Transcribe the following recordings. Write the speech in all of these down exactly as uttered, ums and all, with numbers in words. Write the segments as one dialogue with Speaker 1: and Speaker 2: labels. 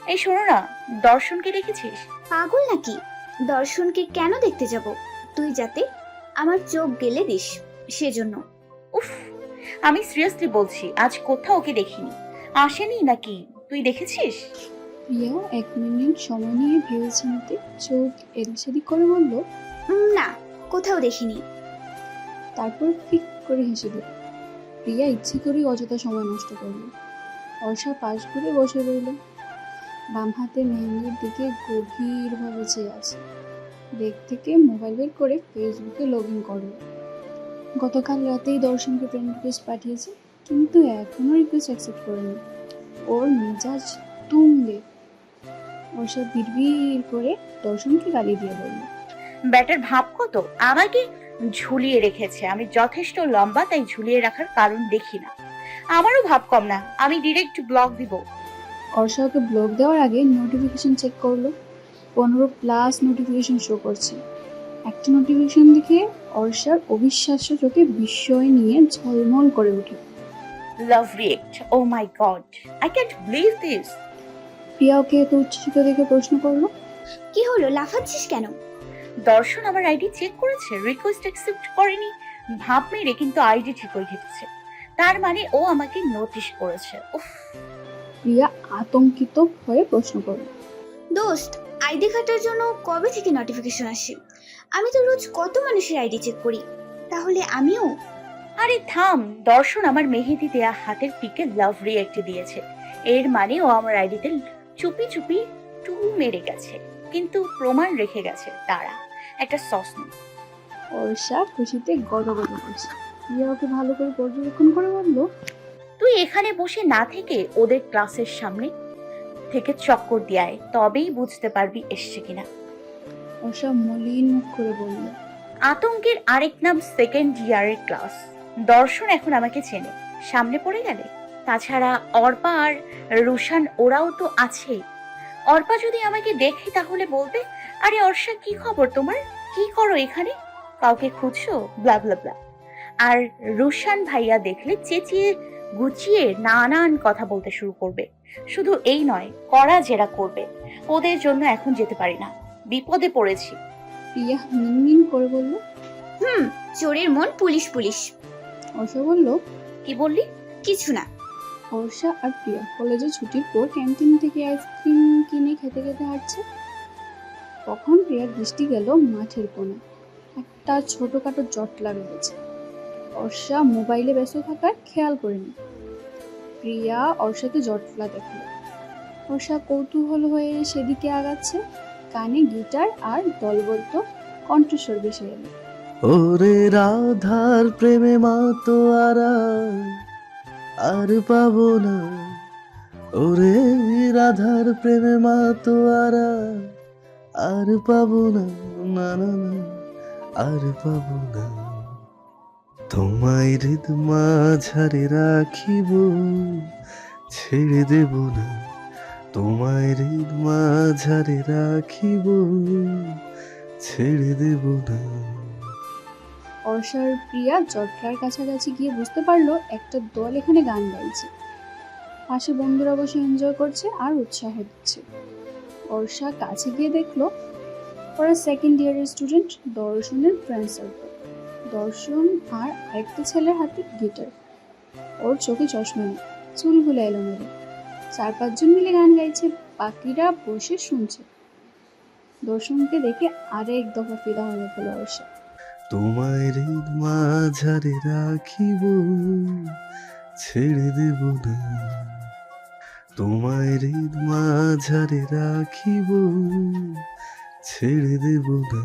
Speaker 1: এই শোনো না, দর্শনকে দেখেছিস?
Speaker 2: পাগল নাকি? দর্শনকে কেন দেখতে যাব? তুই যাতে আমার চোখ গেলে দিস সেজন্য।
Speaker 1: উফ, আমি সিরিয়াসলি বলছি, আজ কোথাও ওকে দেখিনি। আসেনি নাকি? তুই দেখেছিস?
Speaker 3: প্রিয়া এক মিনিট সময় নিয়ে ভেবেচিন্তে চোখ এদিক সেদিক করে বলল,
Speaker 2: উম, না, কোথাও দেখিনি।
Speaker 3: তারপর ফিক করে হেসে দিল। প্রিয়া ইচ্ছে করেই অযথা সময় নষ্ট করল। অর্ষা পাশ ঘুরে বসে রইল, বাম হাতে মেহেন্দির দিকে গভীরভাবে চেয়ে আছে। ব্যাগ থেকে মোবাইল বের করে ফেসবুকে লগ ইন করল। গতকাল রাতেই দর্শনকে ফ্রেন্ড রিকোয়েস্ট পাঠিয়েছে, কিন্তু এখনও রিকোয়েস্ট অ্যাকসেপ্ট করেনি। ওর মেজাজ তুঙ্গে। অর্ষা বিড়বিড় করে দর্শনকে গালি দিয়ে বলল,
Speaker 1: ব্যাটার ভাব কত! আমাকে ঝুলিয়ে রেখেছে। আমি যথেষ্ট লম্বা, তাই ঝুলিয়ে রাখার কারণ দেখি না। আমারও ভাব কম না, আমি ডিরেক্ট ব্লক দিব।
Speaker 3: অর্ষা ওকে ব্লক দেওয়ার আগে নোটিফিকেশন চেক করলো। পনেরো প্লাস নোটিফিকেশন শো করছে। একটা নোটিফিকেশন দেখে অর্ষার অবিশ্বাস্য চোখে বিস্ময় নিয়ে ঝলমল করে ওঠে।
Speaker 1: Love react, oh my god, I can't believe this.
Speaker 3: Priya ওকে এত উচ্ছ্বসিত দেখে প্রশ্ন করলো,
Speaker 2: কি হলো, লাফাচ্ছিস কেন?
Speaker 1: দর্শন আমার আইডি চেক করেছে, রিকোয়েস্ট অ্যাকসেপ্ট করেনি। ভাব মেরে কিন্তু আইডি ঠিকই লিখেছে। তার মানে ও আমাকে নোটিশ করেছে। উফ,
Speaker 3: প্রিয়া আতঙ্কিত হয়ে প্রশ্ন করলো,
Speaker 2: দোস্ত, আইডি কাটার জন্য কবে থেকে নোটিফিকেশন আসে? আমি তো রোজ কত মানুষের আইডি চেক করি, তাহলে আমিও?
Speaker 1: আরে থাম। দর্শন আমার মেহেদি দেয়া হাতের পিকে লাভ রিয়েক্ট দিয়েছে। এর মানে ও আমার আইডিতে চুপি চুপি টু মেরে গেছে, কিন্তু প্রমাণ রেখে গেছে। তারা একটা সসন।
Speaker 3: অর্ষা খুশিতে গদগদ করছে। প্রিয়া ওকে ভালো করে পর্যবেক্ষণ করে বলল,
Speaker 1: তুই এখানে বসে না থেকে ওদের ক্লাসের সামনে থেকে চক্কর দিয়ে আয়, তবেই বুঝতে পারবি এসছে কিনা।
Speaker 3: অর্ষা মলিন মুখ করে বলল,
Speaker 1: আতঙ্কের আরেক নাম সেকেন্ড ইয়ারের ক্লাস। দর্শন এখন আমাকে চেনে, সামনে পড়ে গেলে। তাছাড়া অর্পা আর রুশান ওরাও তো আছেই। অর্পা যদি আমাকে দেখে তাহলে বলবে, আরে অর্ষা, কি খবর তোমার? কি করো এখানে? কাউকে খুঁজছো? ব্লা ব্লা ব্লা। আর রুশান ভাইয়া দেখলে চেঁচিয়ে গুছিয়ে নানান কথা বলতে শুরু করবে। শুধু এই নয়, কড়া জেরা করবে। ওদের জন্য এখন যেতে পারি না, বিপদে পড়েছি।
Speaker 3: প্রিয়া মিনমিন করে বলল।
Speaker 2: হুম, চোরের মন পুলিশ পুলিশ।
Speaker 3: অর্ষা বলল,
Speaker 1: কি বললি?
Speaker 2: কিছু না।
Speaker 3: অর্ষা আর প্রিয়া কলেজে ছুটির পর ক্যান্টিন থেকে আইসক্রিম কিনে খেতে খেতে হাঁটছে। তখন প্রিয়ার দৃষ্টি গেল মাঠের কোণে। একটা ছোটখাটো জটলা রয়েছে। অর্ষা মোবাইলে ব্যস্ত থাকার খেয়াল করেনি। প্রিয়া অর্ষাকে জটলা দেখল। অর্ষা কৌতূহল হয়ে সেদিকে আগাচ্ছে। কানে গিটার আর দলবদ্ধ কণ্ঠস্বর ভেসে এলো।
Speaker 4: ওরে রাধার প্রেমে মাতো আরা আর পাবো না, ওরে রাধার প্রেমে মাতো আরা আর পাবো না, না না না, আর পাবো না। তোমায় হৃদ মাঝারে রাখিব, ছেড়ে দেব না। তোমায় হৃদ মাঝারে রাখিব, ছেড়ে দেব না।
Speaker 3: অর্ষার প্রিয়া জটলার কাছাকাছি গিয়ে বুঝতে পারলো একটা দল এখানে গান গাইছে। পাশে বন্ধুরা বসে এনজয় করছে আর উৎসাহ দিচ্ছে। অর্ষা কাছে গিয়ে দেখলো ওরা সেকেন্ড ইয়ারের স্টুডেন্ট, দর্শনের ফ্রেন্ড সার্কেল। দর্শন আর আরেকটা ছেলের হাতে গিটার। ওর চোখে চশমা নেই, চুলগুলো এলোমেলো। চার পাঁচজন মিলে গান গাইছে, বাকিরা বসে শুনছে। দর্শনকে দেখে আরেক দফা ফিদা হয়ে গেল অর্ষা।
Speaker 4: তোমায় হৃদ মাঝারে রাখিব, ছেড়ে দেব না। তোমায় হৃদ মাঝারে রাখিব, ছেড়ে দেব না।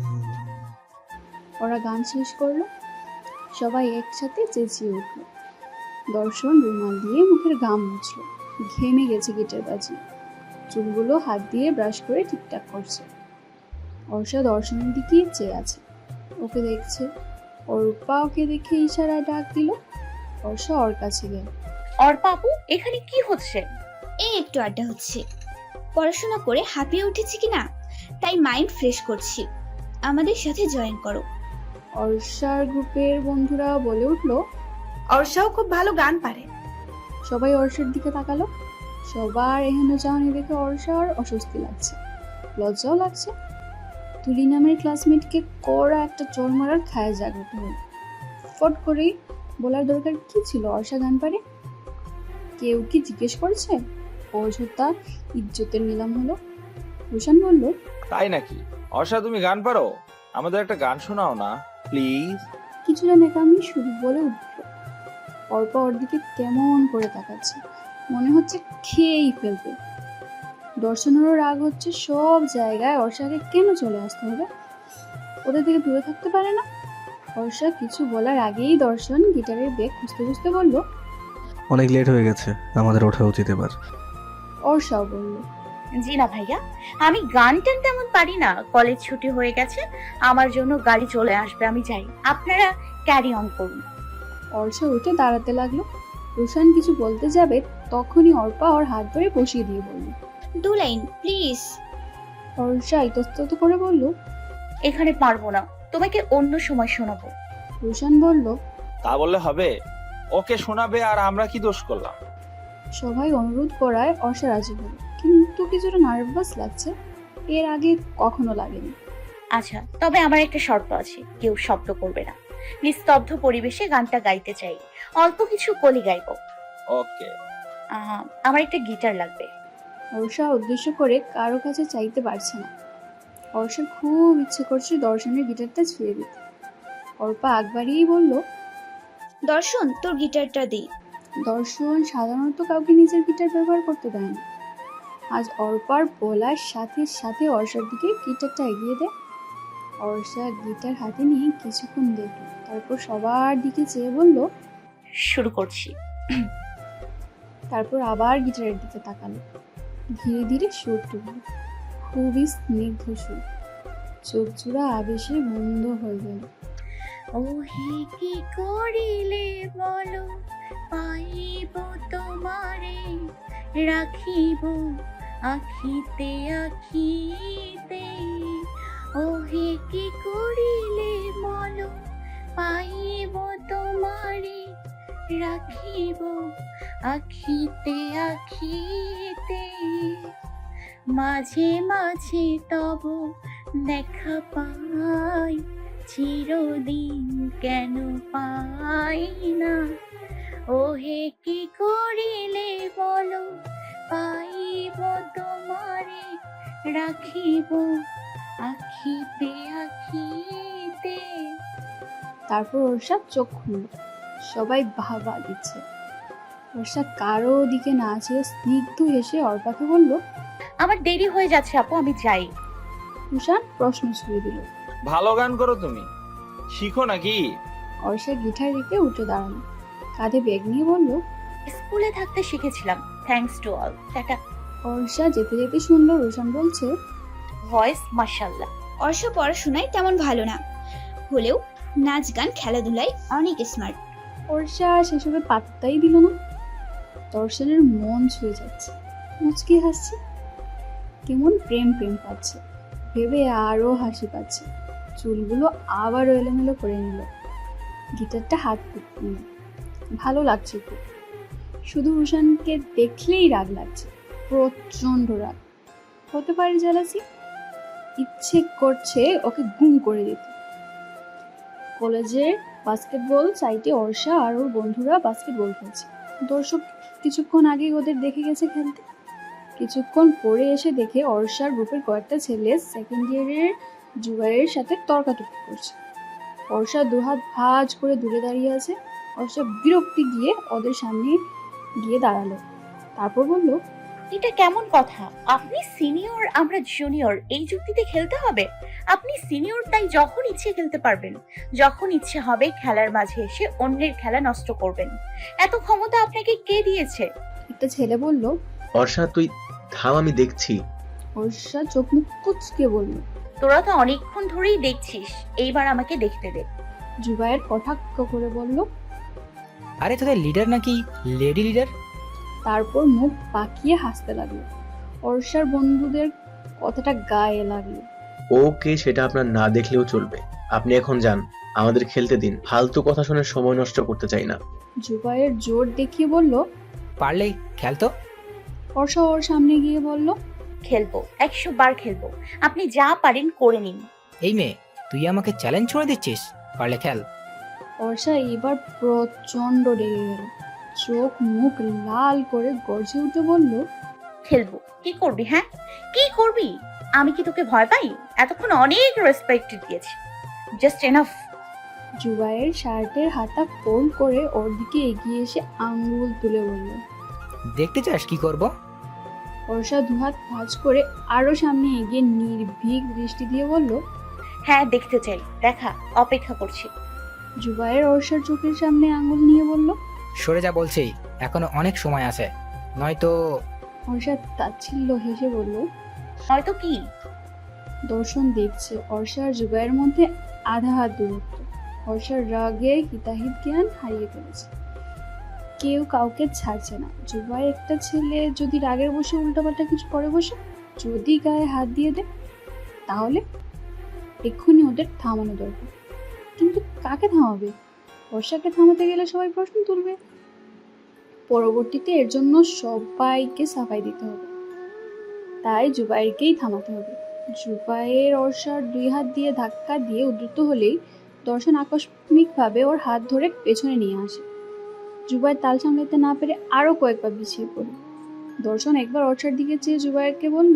Speaker 3: ওরা গান শেষ করলো, সবাই একসাথে চেঁচিয়ে উঠল। দর্শন রুমাল দিয়ে মুখের ঘাম মুছল। ঘেমে গেছে গিটার বাজিয়ে। চুলগুলো হাত দিয়ে ব্রাশ করে ঠিকঠাক করছে। অর্ষা দর্শনের দিকে চেয়ে আছে, ওকে দেখছে। অর্পা ওকে দেখে ইশারায় ডাক দিল। অর্ষা ওর কাছে গেল।
Speaker 1: অর্পা আপু, এখানে কি হচ্ছে?
Speaker 2: এই একটু আড্ডা হচ্ছে। পড়াশোনা করে হাঁপিয়ে উঠেছি কিনা, তাই মাইন্ড ফ্রেশ করছি। আমাদের সাথে জয়েন করো।
Speaker 3: অর্ষার গ্রুপের বন্ধুরা বলে উঠলো।
Speaker 5: অর্ষাও খুব ভালো গান পারে।
Speaker 3: সবাই অর্ষার দিকে তাকালো। সবার এখানে চাহনি দেখে অর্ষার অস্বস্তি লাগছে, লজ্জাও লাগছে। তুলি নামের ক্লাসমেটকে কড়া একটা চোর মারার খায় জাগ্রত হল। ফট করেই বলার দরকার কি ছিল অর্ষা গান পারে? কেউ কি জিজ্ঞেস করছে? অযথা ইজ্জতের নিলাম হলো। রোশান বলল,
Speaker 5: তাই নাকি? অর্ষা, তুমি গান পারো? আমাদের একটা গান শোনাও না প্লিজ।
Speaker 3: কিছুটা নেকামি শুরু বলে উঠল। অর্পা ওর দিকে কেমন করে তাকাচ্ছে, মনে হচ্ছে খেয়েই ফেলবে। দর্শনেরও রাগ হচ্ছে, সব জায়গায় অর্ষাকে কেন চলে আসতে হবে? ওদের থেকে দূরে থাকতে পারে না? অর্ষা কিছু বলার আগেই দর্শন গিটারের বেগ খুঁজতে খুঁজতে বলল,
Speaker 4: অনেক লেট হয়ে গেছে, আমাদের ওঠা উচিত এবার।
Speaker 3: অর্ষাও বলল,
Speaker 1: জি না ভাইয়া, আমি গান টান তেমন পারি না। কলেজ ছুটি হয়ে গেছে, আমার জন্য গাড়ি চলে আসবে, আমি যাই, আপনারা ক্যারি অন করুন।
Speaker 3: অর্ষা উঠে দাঁড়াতে লাগলো। রোশান কিছু বলতে যাবে, তখনই অর্পা ওর হাত ধরে বসিয়ে দিয়ে বলল।
Speaker 2: দু লাইন প্লিজ।
Speaker 3: অর্ষা ইতস্তত করে বলল,
Speaker 1: এখানে পারবো না, তোমাকে অন্য সময় শোনাবো।
Speaker 3: রোশান বলল,
Speaker 5: তা বললে হবে? ওকে শোনাবে আর আমরা কি দোষ করলাম?
Speaker 3: সবাই অনুরোধ করায় অর্ষা রাজি হলো, কিন্তু কিছুটা নার্ভাস লাগছে, এর আগে কখনো লাগেনি।
Speaker 1: আচ্ছা, তবে আমার একটা শর্ত আছে, কেউ শব্দ করবে না। নিস্তব্ধ পরিবেশে গানটা গাইতে চাই, অল্প কিছু কলি গাইবো।
Speaker 5: ওকে।
Speaker 1: আহ, আমার একটা গিটার লাগবে।
Speaker 3: অর্ষা উদ্দেশ্য করে কারো কাছে চাইতে পারছে না। অর্ষার খুব ইচ্ছে করছে দর্শনের গিটারটা ছুঁয়ে দিতে। অর্পা আগ বাড়িয়েই বলল,
Speaker 2: দর্শন, তোর গিটারটা দে।
Speaker 3: দর্শন সাধারণত কাউকে নিজের গিটার ব্যবহার করতে দেয় না। আজ অর্পার বলার সাথে সাথে অর্ষার দিকে গিটারটা এগিয়ে দেয়। অর্ষা গিটার হাতে নিয়ে কিছুক্ষণ দেখল, তারপর সবার দিকে চেয়ে বলল,
Speaker 1: শুরু করছি।
Speaker 3: তারপর আবার গিটারের দিকে তাকালো। ধীরে ধীরে সুর তুলল, খুবই স্নিগ্ধ সুর। চোখ জোড়া আবেশে বন্ধ হয়ে গেল।
Speaker 1: ওহে কি করিলে বলো, পাইব তোমারে, রাখিব আখিতে আখিতে। ওহে কি করিলে বলো, পাইব তোমারে, রাখিব আখিতে আখিতে। মাঝে মাঝে তব দেখা পাই, চিরদিন কেন পাই না। ওহে কি করিলে বলো, পাইব তোমারে, রাখিব আখিতে আখিতে।
Speaker 3: তারপর অর্ষা চোখ খুলল, সবাই বাহবা দিচ্ছে। অর্ষা কারো দিকে না চেয়ে স্নিগ্ধ হেসে অর্পাকে বলল,
Speaker 1: আমার দেরি হয়ে যাচ্ছে আপু, আমি যাই।
Speaker 3: রোশান প্রশ্ন ছুঁয়ে দিল।
Speaker 5: ভালো গান করো তুমি, শিখো নাকি?
Speaker 3: অর্ষা গিটার রেখে উঠে দাঁড়ালো, কাঁধে ব্যাগ নিয়ে বলল,
Speaker 1: স্কুলে থাকতে শিখেছিলাম, থ্যাঙ্কস টু অল। টাটা।
Speaker 3: অর্ষা যেতে যেতে শুনলো রোশান বলছে,
Speaker 1: ভয়েস মাশাআল্লাহ।
Speaker 2: অর্ষা পড়াশোনায় তেমন ভালো না হলেও নাচ গান খেলাধুলায় অনেক স্মার্ট।
Speaker 3: অর্ষা সেসবে পাত্তাই দিল না। দর্শনের মন ছুঁয়ে যাচ্ছে, মুচকি হাসছে, কেমন প্রেম প্রেম পাচ্ছে ভেবে আরো হাসি পাচ্ছে। চুলগুলো আবারও এলোমেলো করে নিল, গিটারটা হাত নিল। ভালো লাগছে খুব। শুধু রোশানকে দেখলেই রাগ লাগছে, প্রচন্ড রাগ। হতে পারে জেলাসি, ইচ্ছে করছে ওকে গুম করে দিতে। কলেজের বাস্কেটবল সাইটে অর্ষা আর ওর বন্ধুরা বাস্কেটবল খেলছে। দর্শক কিছুক্ষণ আগে ওদের দেখে গেছে খেলতে। কিছুক্ষণ পরে এসে দেখে অর্ষার গ্রুপের কয়েকটা ছেলে সেকেন্ড ইয়ারের জুবাইয়ের সাথে তর্কাতর্কি করছে। অর্ষা দুহাত ভাঁজ করে দূরে দাঁড়িয়ে আছে। অর্ষা বিরক্তি গিয়ে ওদের সামনে গিয়ে দাঁড়ালো, তারপর বলল,
Speaker 1: এটা কেমন কথা? আপনি সিনিয়র, আমরা জুনিয়র, এই যুক্তিতে খেলতে হবে? আপনি সিনিয়র, তাই যখন ইচ্ছে খেলতে পারবেন, যখন ইচ্ছে হবে খেলার মাঝে এসে অন্যের খেলা নষ্ট করবেন। এত ক্ষমতা আপনাকে কে দিয়েছে?
Speaker 3: একটা ছেলে বলল।
Speaker 6: অর্ষা, তুই থাম, আমি দেখছি।
Speaker 3: অর্ষা চোখ মুখ কুচকে বলল,
Speaker 1: তোরা তো অনেকক্ষণ ধরেই দেখছিস, এইবার আমাকে দেখতে দে।
Speaker 3: জুবাইয়ের কটাক্ষ করে বলল,
Speaker 7: আরে তোদের লিডার নাকি লেডি লিডার?
Speaker 3: তারপর মুখ পাকিয়ে হাসতে লাগলো। অর্ষার বন্ধুদের কথাটা গায়ে লাগলো।
Speaker 6: ওকে, সেটা আপনার না দেখলেও চলবে। আপনি এখন যান, আমাদের খেলতে দিন। ফালতু কথা শুনে সময় নষ্ট করতে চাই না।
Speaker 3: জুবাইয়ের জোর দেখিয়ে বলল,
Speaker 7: পারলে খেল তো।
Speaker 3: অর্ষা ওর সামনে গিয়ে বলল,
Speaker 1: খেলবো, একশো বার খেলবো। আপনি যা পারেন করে নিন।
Speaker 7: এই মেয়ে, তুই আমাকে চ্যালেঞ্জ ছুঁড়ে দিচ্ছিস? পারলে খেল।
Speaker 3: অর্ষা এবার প্রচন্ড রেগে গেল, চোখ মুখ লাল করে গর্জে উঠে বলল,
Speaker 1: খেলবো। কি করবি? হ্যাঁ, কি করবি? আমি কি তোকে ভয় পাই? এতক্ষণ অনেক রেসপেক্ট দিয়েছি, জাস্ট এনাফ।
Speaker 3: জুবাইয়ের শার্টের হাতা ফোল্ড করে ওর দিকে এগিয়ে এসে আঙ্গুল তুলে বলল।
Speaker 7: দেখতে চাস কি করব?
Speaker 3: অর্ষা দুহাত ভাঁজ করে আরো সামনে এগিয়ে নির্ভীক দৃষ্টি দিয়ে বলল।
Speaker 1: হ্যাঁ, দেখতে চাই, দেখা, অপেক্ষা করছি।
Speaker 3: জুবাইয়ের অর্ষার চোখের সামনে আঙ্গুল নিয়ে বলল।
Speaker 7: সরে যা বলছি, এখনো অনেক সময় আছে, নয়তো।
Speaker 3: অর্ষা তাচ্ছিল্য হেসে বলল।
Speaker 1: হয়তো কি?
Speaker 3: দর্শন দেখছে অর্ষা আর জুবাইয়ের মধ্যে আধা হাত দূরত্ব। অর্ষার রাগে হিতাহিত জ্ঞান হারিয়ে ফেলেছে, কেউ কাউকে ছাড়ছে না। জুবাই একটা ছেলে যদি রাগের বসে উল্টাপাল্টা কিছু করে বসে, যদি গায়ে হাত দিয়ে দেয়, তাহলে এক্ষুনি ওদের থামানো দরকার। কিন্তু কাকে থামাবে? বর্ষাকে থামাতে গেলে সবাই প্রশ্ন তুলবে, পরবর্তীতে এর জন্য সবাইকে সাফাই দিতে হবে। তাই জুবাইরকেই থামাতে হবে। জুবাইয়ের অর্ষার দুই হাত দিয়ে ধাক্কা দিয়ে উদ্যত হলেই দর্শন আকস্মিকভাবে ওর হাত ধরে পেছনে নিয়ে আসে। জুবাইর তাল সামলাতে না পেরে আরো কয়েকবার পিছিয়ে পড়ে। দর্শন একবার অর্ষার দিকে চেয়ে জুবাইরকে বলল,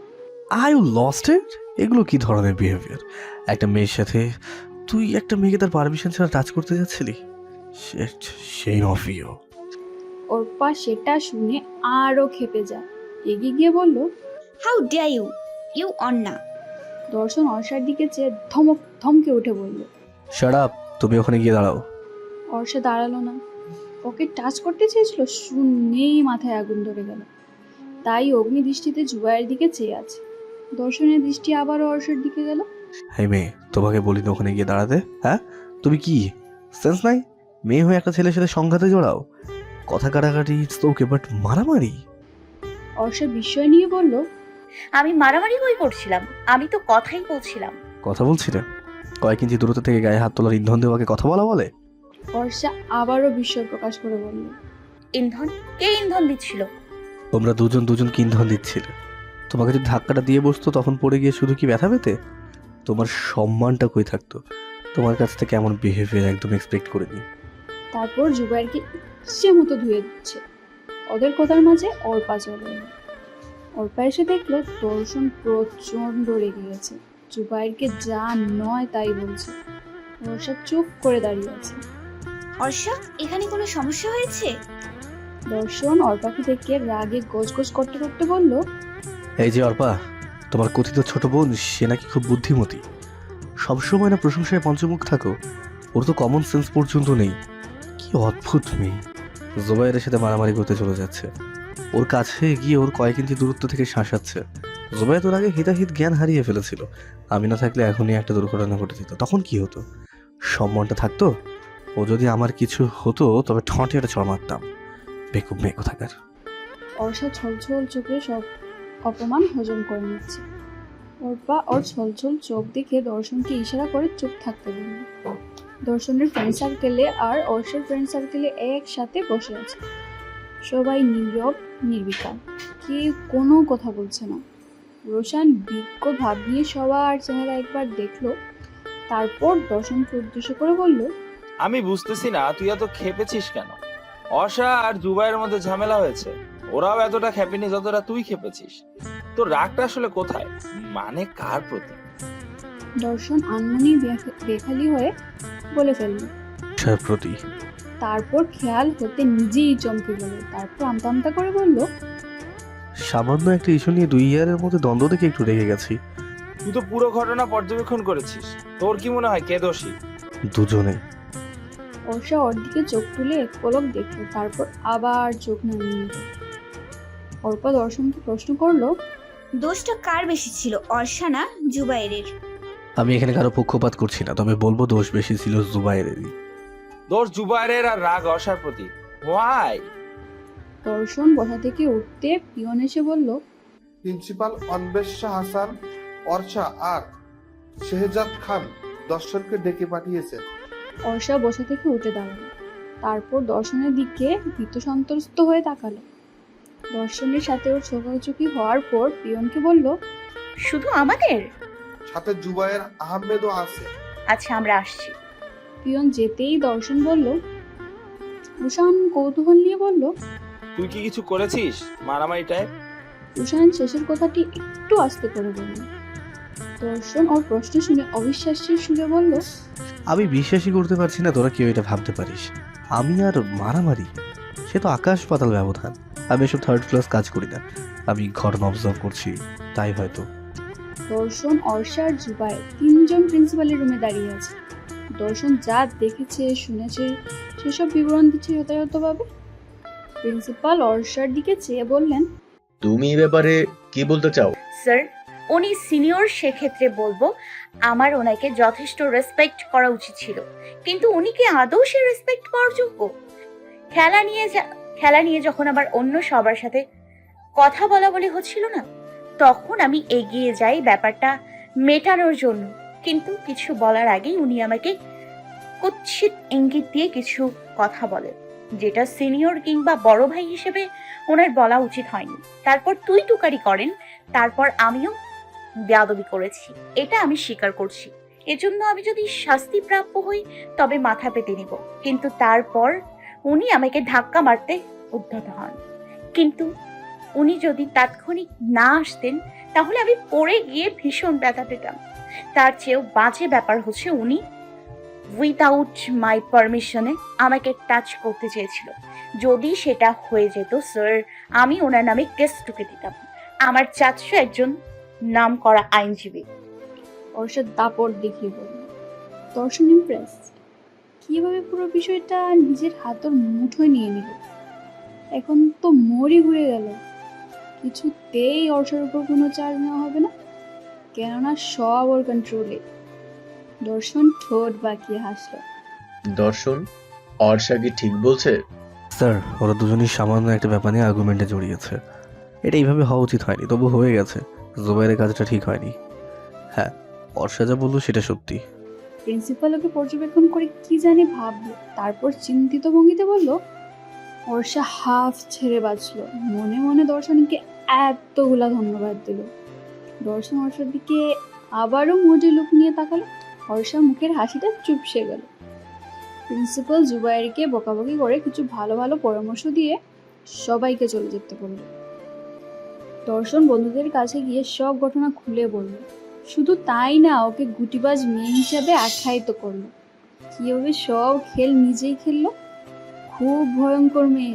Speaker 4: আর ইউ লস্ট ইট? এগুলো কি ধরনের বিহেভিয়ার? একটা মেয়ের সাথে তুই একটা মেয়েকে তার পারমিশন ছাড়া টাচ করতে যাচ্ছিলি? Shit, say of you.
Speaker 3: Arpa সেটা শুনে আরো ক্ষেপে যায়, এগিয়ে গিয়ে বলল,
Speaker 2: how dare you you Anna.
Speaker 3: Darshan অর্ষার দিকে চেয়ে ধমক ধমকে উঠে বলল।
Speaker 4: শাট আপ, তুমি ওখানে গিয়ে দাঁড়াও।
Speaker 3: অর্ষা দাঁড়ালো না, ওকে টাচ করতে চেয়েছিল, শুনেই মাথায় আগুন ধরে গেল। তাই অগ্নি দৃষ্টিতে জুবাইয়ের দিকে চেয়ে আছে। দর্শনের দৃষ্টি আবারও অর্ষার দিকে গেল।
Speaker 4: হ্যাঁ মেয়ে, তোমাকে বলি না ওখানে গিয়ে দাঁড়াতে? হ্যাঁ, তুমি কি সেন্স নাই? মেয়ে হয়ে একটা ছেলের সাথে সংঘাতে জড়াও? কথা কাটাকাটি ইটস ওকে, বাট মারামারি?
Speaker 3: অর্ষা বিস্ময় নিয়ে বলল,
Speaker 1: আমি মারামারি কই করছিলাম? আমি তো কথাই বলছিলাম।
Speaker 4: কথা বলছি না? কয়েক ইঞ্চি দূরত্ব থেকে গায়ে হাত তোলার ইন্ধন দেওয়াকে কথা বলা বলে?
Speaker 3: অর্ষা আবারও বিস্ময় প্রকাশ করে বলল,
Speaker 1: ইন্ধন? কে ইন্ধন দিচ্ছিল?
Speaker 4: তোমরা দুজন দুজনকে ইন্ধন দিচ্ছিলে। তোমাকে যদি ধাক্কাটা দিয়ে বসতো তখন পড়ে গিয়ে শুধু কি ব্যথা পেতে? তোমার সম্মানটা কই থাকতো? তোমার কাছ থেকে এমন বিহেভিয়ার একদম এক্সপেক্ট করিনি।
Speaker 3: তারপর জুবাইরকে ইচ্ছে মতো ধুয়ে দিচ্ছে। ওদের কথার মাঝে অর্পা চলে এলো। অর্পা এসে দেখলো দর্শন প্রচন্ড রেগে গেছে, জুবাইরকে যা নয় তাই বলছে। অর্ষা চুপ করে দাঁড়িয়ে আছে।
Speaker 2: অর্ষা, এখানে কোনো সমস্যা হয়েছে?
Speaker 3: দর্শন অর্পাকে দেখে রাগে গোজ করতে করতে বলল,
Speaker 4: এই যে অর্পা, তোমার কথিত ছোট বোন সে নাকি খুব বুদ্ধিমতী, সবসময় না প্রশংসায় পঞ্চমুখ থাকো, ওর তো কমন সেন্স পর্যন্ত নেই। কি অদ্ভুত মেয়ে। জুবাইরের সাথে মারামারি করতে চলে যাচ্ছে, ওর কাছে গিয়ে ওর কয়েক ইঞ্চি দূরত্ব থেকে শাঁসাচ্ছে। জুবাইর তোর আগে হিতাহিত জ্ঞান হারিয়ে ফেলেছিল। আমি না থাকলে এখনই একটা দুর্ঘটনা ঘটে যেত, তখন কি হতো? সম্মানটা থাকতো? ও যদি আমার কিছু হতো তবে ঠোঁটে একটা চড় মারতাম। বেকুব মেয়ে কোথাকার।
Speaker 3: অর্ষা ছলছল চোখে সব অপমান হজম করে নিচ্ছে। অর্পা ওর ছলছল চোখ দেখে দর্শনকে ইশারা করে চুপ থাকতে বলল। দর্শনের ফ্রেন্ড সার্কেলে আর অর্ষার ফ্রেন্ড সার্কেলে একসাথে বসে আছে। সবাই নীরব নির্বিকার, কেউ কোনো কথা বলছে না। রোশান বিজ্ঞ ভাব নিয়ে সবার চেহারা একবার দেখলো, তারপর দর্শনকে উদ্দেশ্য করে বলল,
Speaker 5: আমি বুঝতেছি না তুই এত খেপেছিস কেন? অর্ষা আর জুবাইয়ের মধ্যে ঝামেলা হয়েছে, ওরাও এতটা খেপেনি যতটা তুই খেপেছিস। তোর রাগটা আসলে কোথায়, মানে কার প্রতি?
Speaker 3: দর্শন আনমনি বেখালি হয়ে বলে ফেলল।
Speaker 4: সার প্রতি।
Speaker 3: তারপর খেয়াল হতে নিজেই চমকে গেল। তারপর আমতা আমতা করে বলল,
Speaker 4: সামান্য একটা ইস্যু নিয়ে দুই ইয়ারের মধ্যে দ্বন্দ্ব দেখে একটু রেগে গেছি।
Speaker 5: তুই তো পুরো ঘটনা পর্যবেক্ষণ করেছিস, তোর কি মনে হয় কে দোষী?
Speaker 4: দুজনে।
Speaker 3: অর্ষা ওর দিকে চোখ তুলে এক পলক দেখলো, তারপর আবার চোখ নামিয়ে নিল। অর্পা দর্শনকে প্রশ্ন করলো,
Speaker 2: দোষটা কার বেশি ছিল, অর্ষা না জুবাইরের?
Speaker 4: আমি এখানে কারো পক্ষপাত করছি না, তবে বলবো দোষ বেশি ছিল জুবাইরেরই।
Speaker 5: দোষ জুবাইরের আর রাগ অর্ষার প্রতি। ওয়াই?
Speaker 3: দর্শন বসা থেকে উঠতে পিয়ন এসে বলল,
Speaker 8: প্রিন্সিপাল অন্বেষা হাসান, অর্ষা আর শেহজাদ খান দর্শনকে ডেকে পাঠিয়েছেন।
Speaker 3: অর্ষা বসা থেকে উঠে দাঁড়ালো, তারপর দর্শনের দিকে ভীত সন্ত্রস্ত হয়ে তাকালো। দর্শনের সাথে ওর চোখাচোখি হওয়ার পর পিয়নকে বলল,
Speaker 1: শুধু আমাদের?
Speaker 8: সাথে জুবায়ের আহমেদও আছে।
Speaker 1: আচ্ছা, আমরা আসছি।
Speaker 3: পিয়ন যেতেই দর্শন বলল। রুশান কৌতূহল নিয়ে বলল।
Speaker 5: তুই কি কিছু করেছিস মারামারি টাইপ?
Speaker 3: রুশান শেষের কথাটি একটু আস্তে করে বলল। দর্শন ওর প্রশ্ন শুনে অবিশ্বাসের সুরে বলল,
Speaker 4: আমি বিশ্বাসই করতে পারছি না তোরা কেউ এটা ভাবতে পারিস। আমি আর মারামারি, সে তো আকাশ পাতাল ব্যবধান। আমি এসব থার্ড ক্লাস কাজ করি না, আমি ঘটনা অবজার্ভ করছি, তাই হয়তো।
Speaker 3: দর্শন, অর্ষা আর জুবায়ের তিনজন প্রিন্সিপালের রুমে দাঁড়িয়ে আছে। দর্শন যা দেখেছে শুনেছে সেসব বিবরণ দিচ্ছে যথাযথভাবে। প্রিন্সিপাল অর্ষার দিকে চেয়ে বললেন,
Speaker 6: তুমি এই ব্যাপারে কি বলতে চাও?
Speaker 1: স্যার, উনি সিনিয়র, সেক্ষেত্রে বলবো আমার ওনাকে যথেষ্ট রেসপেক্ট করা উচিত ছিল, কিন্তু উনি কি আদৌ সে রেসপেক্ট পাওয়ার যোগ্য? খেলা নিয়ে যা- খেলা নিয়ে যখন আবার অন্য সবার সাথে কথা বলা বলি হচ্ছিল না, তখন আমি এগিয়ে যাই ব্যাপারটা মেটানোর জন্য, কিন্তু কিছু বলার আগেই উনি আমাকে কুৎসিত ইঙ্গিত দিয়ে কিছু কথা বলেন, যেটা সিনিয়র কিংবা বড় ভাই হিসেবে ওনার বলা উচিত হয়নি। তারপর তুই টুকারি করেন, তারপর আমিও বেয়াদবি করেছি, এটা আমি স্বীকার করছি। এজন্য আমি যদি শাস্তি প্রাপ্য হই তবে মাথা পেতে নিব, কিন্তু তারপর উনি আমাকে ধাক্কা মারতে উদ্যত হন। কিন্তু উনি যদি তাৎক্ষণিক না আসতেন তাহলে আমি পড়ে গিয়ে ভীষণ ব্যথা পেতাম। তার চেয়েও বাজে ব্যাপার হচ্ছে উনি উইদাউট মাই পারমিশনে আমাকে টাচ করতে চেয়েছিল। যদি সেটা হয়ে যেত স্যার, আমি ওনার নামে কেস টুকে দিতাম। আমার চাচু একজন নাম করা আইনজীবী।
Speaker 3: অর্ষার দাপট দেখিয়ে বলল। দর্শন ইমপ্রেস, কিভাবে পুরো বিষয়টা নিজের হাতের মুঠোয় নিয়ে নিল। এখন তো মরি ঘুরে গেল, কিছুতেই অর্ষার উপর কোনো চার্জ নেওয়া হবে না, কেননা সব ওর কন্ট্রোলে। দর্শন ঠোঁট বাঁকিয়ে হাসল।
Speaker 6: দর্শন, অর্ষা কি ঠিক বলছে?
Speaker 4: স্যার, ওরা দুজনই সামান্য একটা ব্যাপার নিয়ে আর্গুমেন্টে জড়িয়েছে। এটা এইভাবে হওয়া উচিত হয়নি, তবু হয়ে গেছে। জুবাইরের কাজটা ঠিক হয়নি। হ্যাঁ, অর্ষা যা বললো সেটা সত্যি।
Speaker 3: প্রিন্সিপাল ওকে পর্যবেক্ষণ করে কি জানি ভাবলো, তারপর চিন্তিত ভঙ্গিতে বলল। অর্ষা হাফ ছেড়ে বাঁচল, মনে মনে দর্শনকে এতগুলা ধন্যবাদ দিল। দর্শন অর্ষার দিকে আবারও মোটে লুক নিয়ে তাকালো। অর্ষা মুখের হাসিটা চুপসে গেল। প্রিন্সিপাল জুবাইরকে বকাবকি করে কিছু ভালো ভালো পরামর্শ দিয়ে সবাইকে চলে যেতে বলল। দর্শন বন্ধুদের কাছে গিয়ে সব ঘটনা খুলে বলল। শুধু তাই না, ওকে গুটিবাজ মেয়ে হিসাবে আখ্যায়িত করলো। কিভাবে সব খেল নিজেই খেললো, খুব ভয়ঙ্কর মেয়ে।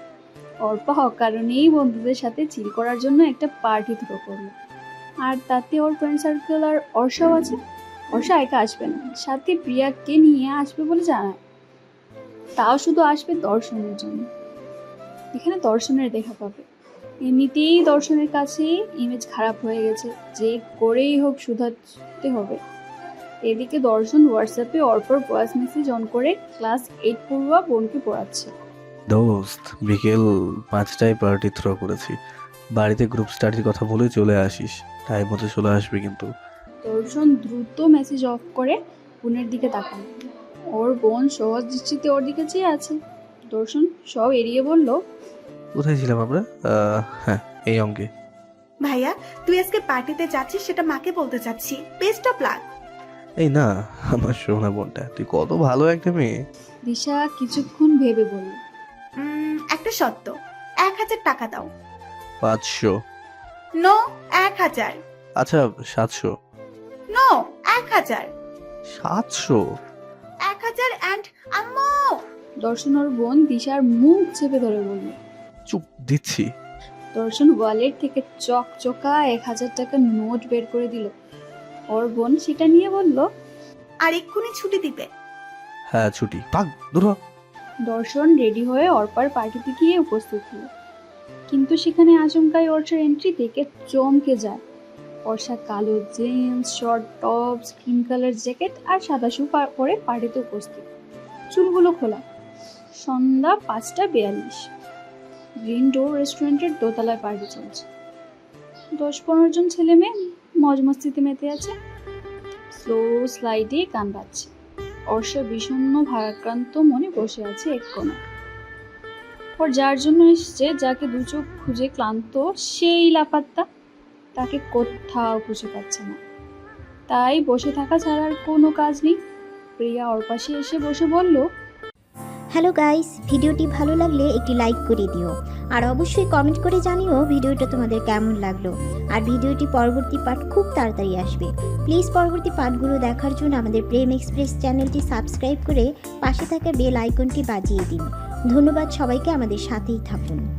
Speaker 3: অর্পা অকারণেই বন্ধুদের সাথে চিল করার জন্য একটা পার্টি থ্রো করলো, আর তাতে ওর ফ্রেন্ড সার্কেল আর অর্ষাও আছে। অর্ষা একা আসবে না, সাথে প্রিয়াকে নিয়ে আসবে বলে জানায়, তাও শুধু আসবে দর্শনের জন্য। এখানে দর্শনের দেখা পাবে। এমনিতেই দর্শনের কাছে ইমেজ খারাপ হয়ে গেছে, যে করেই হোক শুধাতে হবে। এদিকে দর্শন হোয়াটসঅ্যাপে অর্পর ভয়েস মেসেজ অন করে ক্লাস এইট পড়ুয়া বোনকে পড়াচ্ছে।
Speaker 4: দোস্ত, বিকেল পাঁচটায় পার্টি থ্রো করেছি, বাড়িতে গ্রুপ স্টাডির কথা বলে চলে আসিস, টাইম মতো চলে আসবি কিন্তু।
Speaker 3: দর্শন দ্রুত মেসেজ অফ করে বোনের দিকে তাকাল। ওর বোন সহজ দৃষ্টিতে ওর দিকে চেয়ে আছে। দর্শন সব এড়িয়ে বলল,
Speaker 4: কোথায় ছিলাম আমরা? আহ, হ্যাঁ, এই অঙ্কে।
Speaker 9: ভাইয়া, তুই আজকে পার্টিতে যাচ্ছিস সেটা মাকে বলতে চাচ্ছি। Best of luck.
Speaker 4: এই না, আমার সোনা বোনটা, তুই কত ভালো একটা মেয়ে।
Speaker 3: দিশা কিছুক্ষণ ভেবে বলল,
Speaker 9: উম, একটা শর্ত, এক হাজার টাকা দাও।
Speaker 4: পাঁচশো।
Speaker 9: নো, এক হাজার।
Speaker 4: আচ্ছা, সাতশো।
Speaker 9: নো, এক হাজার।
Speaker 4: সাতশো।
Speaker 9: এক হাজার অ্যান্ড আম্মু।
Speaker 3: দর্শন ওর বোন দিশার মুখ চেপে ধরে বলল।
Speaker 4: চুপ, দিচ্ছি।
Speaker 3: দর্শন ওয়ালেট থেকে চকচকা এক হাজার টাকার নোট বের করে দিল। ওর বোন সেটা নিয়ে বলল,
Speaker 9: আর এক্ষুনি ছুটি দিবে।
Speaker 4: হ্যাঁ, ছুটি। পাক, দূর হ।
Speaker 3: দর্শন রেডি হয়ে অর্পার পার্টিতে গিয়ে উপস্থিত হলো, কিন্তু সেখানে আচমকাই অর্ষার এন্ট্রি দেখে চমকে যায়। অর্ষা কালো jeans, short top, skin colour jacket আর সাদা শু পরে পার্টিতে উপস্থিত, চুলগুলো খোলা। সন্ধ্যা পাঁচটা বিয়াল্লিশ। গ্রিন ডোর রেস্টুরেন্টের দোতলায় পার্টি চলছে। দশ পনেরো জন ছেলে মেয়ে মজ মস্তিতে মেতে আছে। স্লো স্লাইডে গান বাজছে। অর্ষা বিষণ্ণ ভারাক্রান্ত মনে বসে আছে এক কোণে। তারপর যার জন্য এসছে, যাকে দু চোখ খুঁজে ক্লান্ত, সেই লাপাত্তা, তাকে কোথাও খুঁজে পাচ্ছে না। তাই বসে থাকা ছাড়া আর কোনো কাজ নেই। প্রিয়া ওর পাশে এসে বসে বলল,
Speaker 10: হ্যালো গাইস, ভিডিওটি ভালো লাগলে একটি লাইক করে দিও আর অবশ্যই কমেন্ট করে জানিও ভিডিওটা তোমাদের কেমন লাগলো। আর ভিডিওটি পরবর্তী পার্ট খুব তাড়াতাড়ি আসবে। প্লিজ পরবর্তী পার্টগুলো দেখার জন্য আমাদের প্রেম এক্সপ্রেস চ্যানেলটি সাবস্ক্রাইব করে পাশে থাকা বেল আইকনটি বাজিয়ে দিন। ধন্যবাদ সবাইকে, আমাদের সাথেই থাকুন।